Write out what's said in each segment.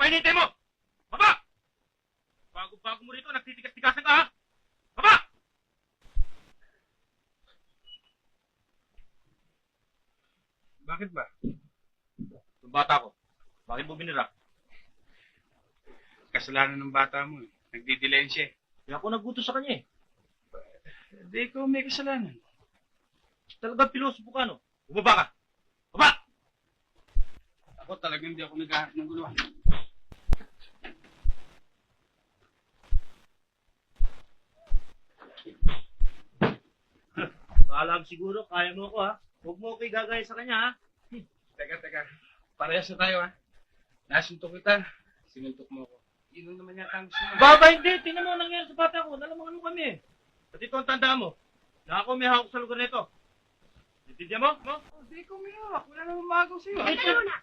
hinihintay mo? Baba! Bago-bago mo rito, nagtitigas-tigasan ka, ha? Baba! Bakit ba? Yung bata ko, bakit mo binira? Kasalanan ng bata mo eh. Nagdidilen siya eh. Kaya ako nagutos sa kanya, eh. Hindi ikaw may kasalanan. Talagang pilosopo ka, no? Bumaba ka! Baba! Ako talagang hindi ako naghahanap ng gulo. Kaalam siguro, kaya mo ako, ha? Huwag mo ko igagaya sa kanya, ha? Teka. Parehas na tayo ha. Nasuntok kita. Sinuntok mo ako. Yun ang naman yata ang gusto mo. Baba, hindi! Tingnan mo ang nangyari sa bata ko. Nalamangan mo kami, eh. At ito ang tandaan mo, na ako may hawak sa lugar nito. Intindihan mo? Mo? Hindi ko may hawak. Wala namang magaw sa'yo. Teka muna.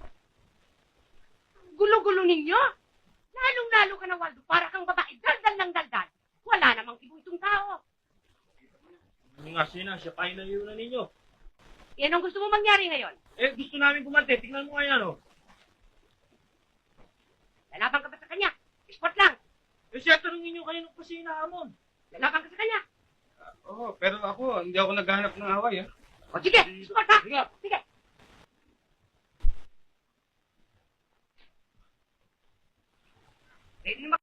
Gulo-gulo ninyo. Lalong-lalo ka na, Waldo. Para kang babae. Daldal ng daldal. Wala namang ibo itong tao. Hindi nga sina, siya pa inayunan ninyo. Yan ang gusto mo mangyari ngayon. Eh, gusto namin gumante. Tingnan mo nga yan, oh. Lalaban ka ba sa kanya? Sport lang. Eh, siya tanongin nyo kanino pa siya inahamon. Lalaban ka sa kanya. Oo, pero ako, hindi ako naghahanap ng away ha. O sige, sport ha. Sige. Sige. Pwede naman